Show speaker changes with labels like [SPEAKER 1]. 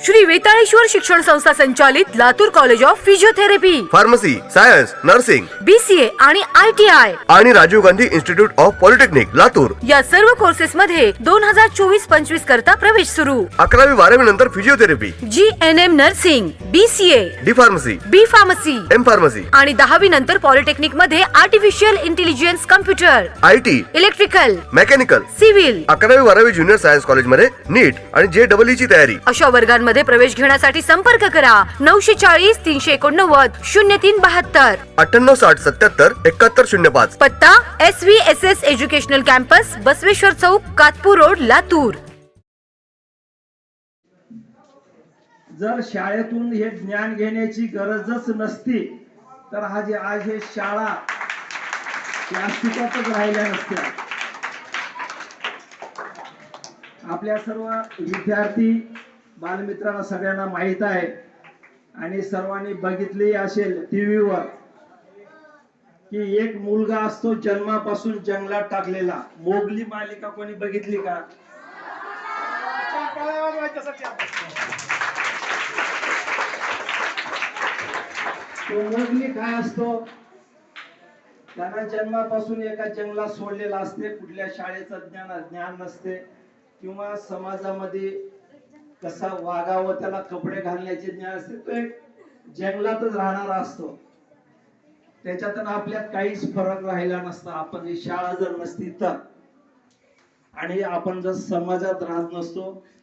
[SPEAKER 1] श्री वेताळेश्वर शिक्षण संस्था संचालित Latur college of physiotherapy,
[SPEAKER 2] pharmacy, science, nursing,
[SPEAKER 1] BCA आणि ITI
[SPEAKER 2] आणि Rajiv Gandhi institute of polytechnic Latur
[SPEAKER 1] या सर्व कोर्सेस मध्ये 2024-25 करता प्रवेश सुरू।
[SPEAKER 2] 11वी 12वी नंतर physiotherapy,
[SPEAKER 1] GNM nursing, BCA,
[SPEAKER 2] D pharmacy,
[SPEAKER 1] B pharmacy
[SPEAKER 2] M pharmacy
[SPEAKER 1] आणि 10वी नंतर पॉलिटेक्निक मध्ये artificial intelligence, computer,
[SPEAKER 2] IT,
[SPEAKER 1] electrical,
[SPEAKER 2] mechanical,
[SPEAKER 1] civil
[SPEAKER 2] 11वी 12वी ज्युनियर सायन्स कॉलेज मध्ये नीट आणि JEE ची तयारी।
[SPEAKER 1] अशा वर्गांमध्ये प्रवेश घेण्यासाठी संपर्क करा 940 389 0372,
[SPEAKER 2] 9860 77 71 05।
[SPEAKER 1] पत्ता SVSS educational campus, Basaveshwar Chowk, Katpur road, Latur.
[SPEAKER 3] जर शाळेतून हे ज्ञान घेण्याची गरजच नसती तर आज हे शाळा अस्तित्वातच राहिल्या नसत्या। आपल्या सर्व विद्यार्थी बालमित्रांना सगळ्यांना माहित आहे आणि सर्वांनी बघितली असेल टीव्हीवर की एक मुलगा असतो जन्मापासून जंगलात टाकलेला। मोगली मालिका कोणी बघितली का? तो मोगली काय असतो? त्यांना जन्मापासून एका जंगलात सोडलेला असते, कुठल्या शाळेचं ज्ञान नसते किंवा समाजामध्ये कसा वागावं, त्याला कपडे घालण्याचे ज्ञान असते। तो एक जंगलातच राहणारा असतो, त्याच्यातून आपल्यात काहीच फरक राहिला नसता। आपण ही शाळा जर नसती तर, आणि आपण जर समाजात राहत नसतो